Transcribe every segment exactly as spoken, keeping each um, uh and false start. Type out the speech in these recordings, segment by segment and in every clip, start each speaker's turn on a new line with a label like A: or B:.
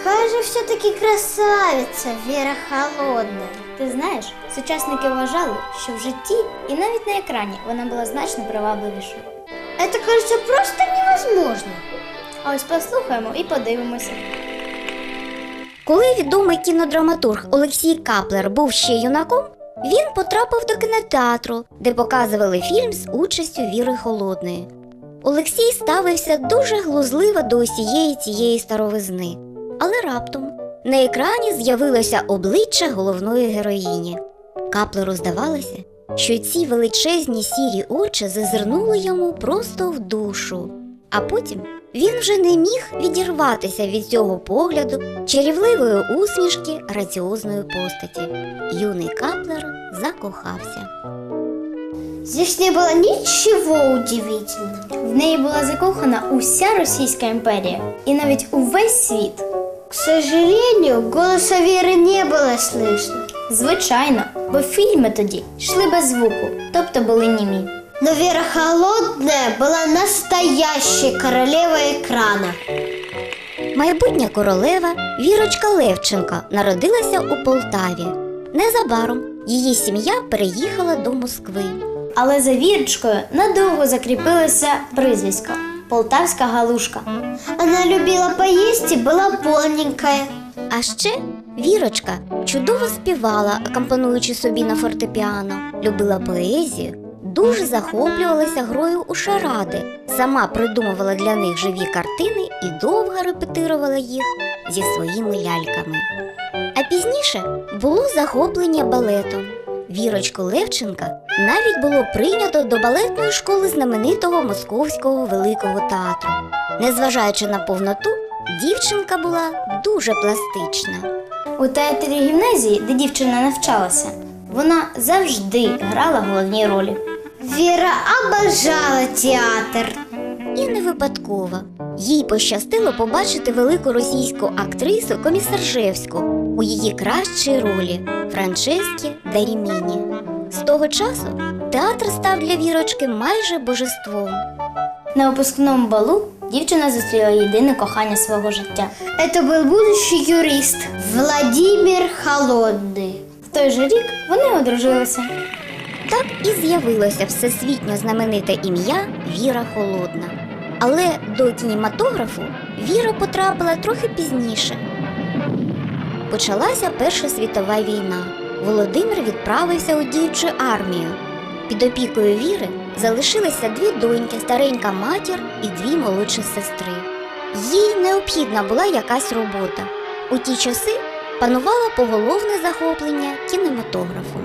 A: какая же все-таки красавица Вера Холодная.
B: Ти знаєш, сучасники вважали, що в житті і навіть на екрані вона була значно привабливішою.
A: Это, кажется, просто невозможно.
B: А ось послухаємо і подивимося.
C: Коли відомий кінодраматург Олексій Каплер був ще юнаком, він потрапив до кінотеатру, де показували фільм з участю Віри Холодної. Олексій ставився дуже глузливо до усієї цієї старовизни. Але раптом на екрані з'явилося обличчя головної героїні. Каплеру здавалося, що ці величезні сірі очі зазирнули йому просто в душу. А потім він вже не міг відірватися від цього погляду чарівливої усмішки граціозної постаті. Юний Каплер закохався.
A: Здесь не было ничего удивительного.
B: В неї була закохана уся Російська імперія і навіть увесь світ.
A: К сожалению, голоса Веры не было слышно.
B: Звичайно, бо фільми тоді йшли без звуку, тобто були німі.
A: Но Вера Холодная была настоящей королевой экрана.
C: Майбутня королева Вірочка Левченко народилася у Полтаві. Незабаром її сім'я переїхала до Москви.
B: Але за Вірочкою надовго закріпилося прізвисько «Полтавська галушка».
A: Она любила поесть и была полненькая.
C: А ще Вірочка чудово співала, акомпануючи собі на фортепіано, любила поезію, дуже захоплювалася грою у шаради, сама придумувала для них живі картини і довго репетирувала їх зі своїми ляльками. А пізніше було захоплення балетом. Вірочку Левченка навіть було прийнято до балетної школи знаменитого Московського великого театру. Незважаючи на повноту, дівчинка була дуже пластична.
B: У театрі гімназії, де дівчина навчалася, вона завжди грала головні ролі.
A: Вера обожала театр.
C: І не випадково. Їй пощастило побачити велику російську актрису Комісаржевську у її кращій ролі – Франческі Даріміні. З того часу театр став для Вірочки майже божеством.
B: На випускному балу дівчина зустріла єдине кохання свого життя.
A: Это был будущий юрист Владимир Холодный.
B: В той же рік вони одружилися.
C: Так і з'явилося всесвітньо знамените ім'я Віра Холодна. Але до кінематографу Віра потрапила трохи пізніше. Почалася Перша світова війна. Володимир відправився у діючу армію. Під опікою Віри залишилися дві доньки, старенька матір і дві молодші сестри. Їй необхідна була якась робота. У ті часи панувало поголовне захоплення кінематографом.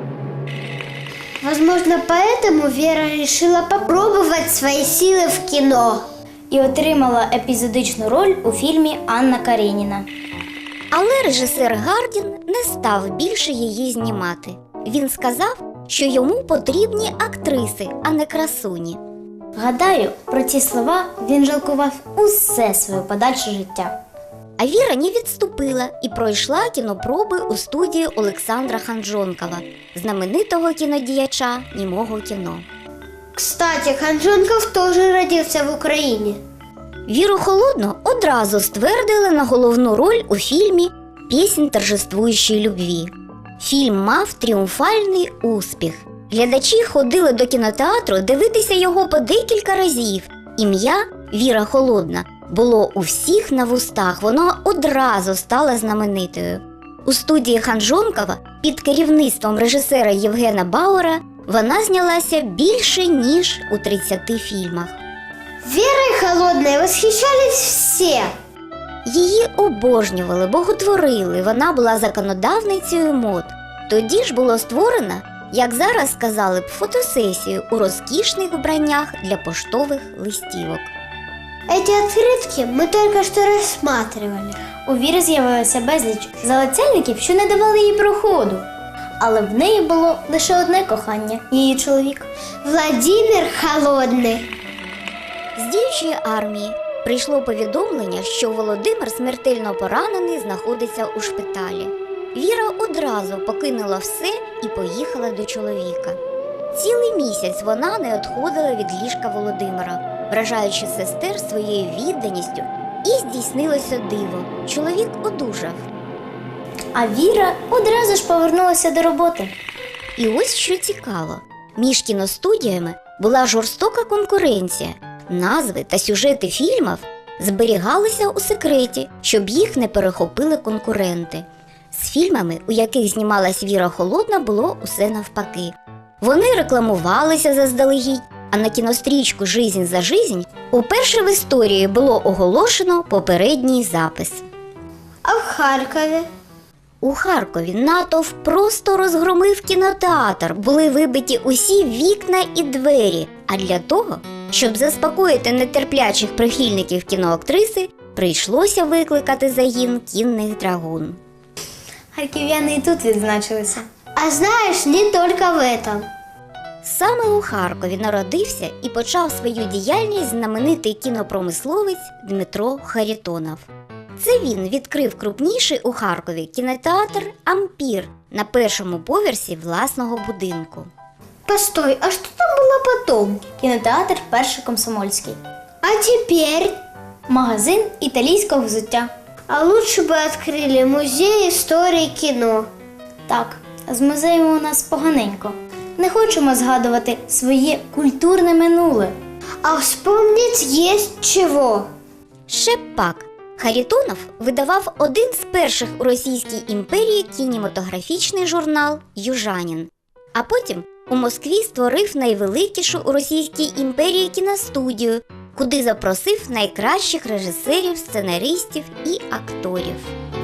A: Возможно, поэтому Вера решила попробовать свои силы в кино.
B: І отримала епізодичну роль у фільмі «Анна Кареніна».
C: Але режисер Гардін не став більше її знімати. Він сказав, що йому потрібні актриси, а не красуні.
B: Гадаю, про ці слова він жалкував усе своє подальше життя.
C: А Віра не відступила і пройшла кінопроби у студії Олександра Ханжонкова, знаменитого кінодіяча німого кіно.
A: Кстати, Ханжонков тоже родился в Украине.
C: Віру Холодну одразу ствердили на головну роль у фільмі «Піснь торжествуючої любві». Фільм мав тріумфальний успіх. Глядачі ходили до кінотеатру дивитися його по декілька разів. Ім'я Віра Холодна було у всіх на вустах, воно одразу стало знаменитою. У студії Ханжонкова під керівництвом режисера Євгена Бауера вона знялася більше, ніж у тридцяти фільмах.
A: Верой Холодной восхищались все.
C: Її обожнювали, боготворили, вона була законодавницею мод. Тоді ж було створено, як зараз сказали б, фотосесію у розкішних вбраннях для поштових листівок.
A: Эти открытки мы только что рассматривали.
B: У Віри з'явилося безліч залицяльників, що не давали їй проходу. Але в неї було лише одне кохання – її чоловік.
A: Владимир Холодный.
C: З діючої армії прийшло повідомлення, що Володимир смертельно поранений знаходиться у шпиталі. Віра одразу покинула все і поїхала до чоловіка. Цілий місяць вона не відходила від ліжка Володимира, вражаючи сестер своєю відданістю І здійснилося диво. Чоловік одужав.
B: А Віра одразу ж повернулася до роботи.
C: І ось що цікаво. Між кіностудіями була жорстока конкуренція. Назви та сюжети фільмів зберігалися у секреті, щоб їх не перехопили конкуренти. З фільмами, у яких знімалась Віра Холодна, було усе навпаки. Вони рекламувалися заздалегідь, а на кінострічку «Жизнь за жизнь» уперше в історії було оголошено попередній запис.
A: А в Харкові?
C: У Харкові натовп просто розгромив кінотеатр, були вибиті усі вікна і двері. А для того, щоб заспокоїти нетерплячих прихильників кіноактриси, прийшлося викликати загін кінних драгун.
B: Харків'яни і тут відзначилися.
A: А знаешь, не только в этом.
C: Саме у Харкові народився і почав свою діяльність знаменитий кінопромисловець Дмитро Харитонов. Це він відкрив крупніший у Харкові кінотеатр «Ампір» на першому поверсі власного будинку.
A: Постой, а что там было потом?
B: Кінотеатр «Перший Комсомольський».
A: А теперь?
B: Магазин італійського взуття.
A: А лучше бы открыли музей истории кино.
B: Так, з музеєм у нас поганенько. Не хочемо згадувати своє культурне минуле.
A: А вспомнить есть чего.
C: Ще б пак. Харитонов видавав один з перших у Російській імперії кінематографічний журнал «Южанин». А потім у Москві створив найвеликішу у Російській імперії кіностудію, куди запросив найкращих режисерів, сценаристів і акторів.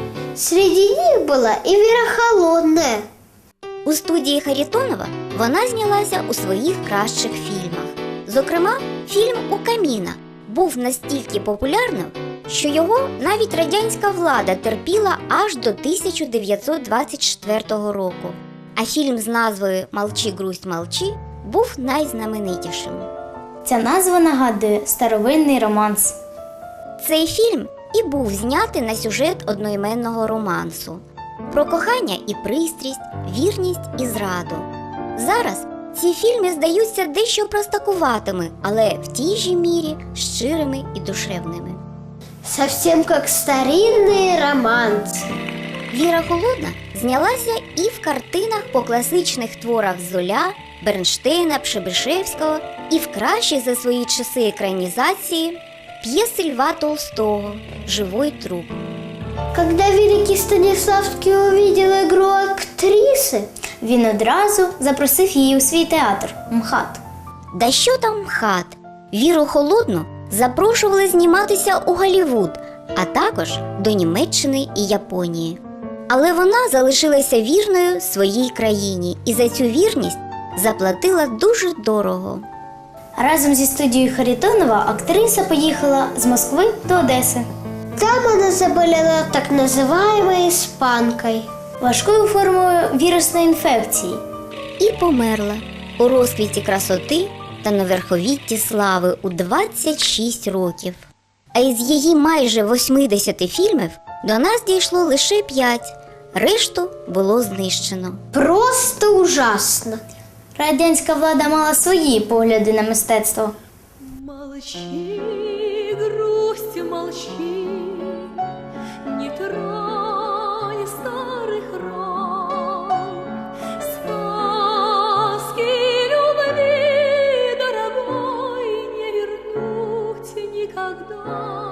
A: Среди них была и Вера Холодная.
C: У студії Харитонова вона знялася у своїх кращих фільмах. Зокрема, фільм «У каміна» був настільки популярним, що його навіть радянська влада терпіла аж до тисяча дев'ятсот двадцять четвертого року. А фільм з назвою «Молчи, грусть, молчи» був найзнаменитішим.
B: Ця назва нагадує старовинний романс.
C: Цей фільм і був знятий на сюжет одноіменного романсу. Про кохання і пристрість, вірність і зраду. Зараз ці фільми здаються дещо простакуватими, але в тій же мірі щирими і душевними.
A: Совсем как старинный романс.
C: Віра Холодна знялася і в картинах по класичних творах Золя, Бернштейна, Пшебишевського, і в кращих за свої часи екранізації п'єси Льва Толстого «Живой труп».
A: Когда великий Станиславский увидел игру актрисы,
B: Він одразу запросив її у свій театр МХАТ.
C: Да що там МХАТ? Віру Холодну запрошували зніматися у Голлівуд, а також до Німеччини і Японії. Але вона залишилася вірною своїй країні і за цю вірність заплатила дуже дорого.
B: Разом зі студією Харитонова актриса поїхала з Москви до Одеси.
A: там она заболела так называемой испанкой.
B: Важкою формою вірусної інфекції.
C: І померла у розквіті красоти та на верховітті слави у двадцять шість років. А із її майже восьмидесяти фільмів до нас дійшло лише п'ять, решту було знищено.
A: Просто ужасно.
B: Радянська влада мала свої погляди на мистецтво.
D: Молчи, грусть, молчи, не тронь старых ран. Сказки любви, дорогой, не вернуть никогда.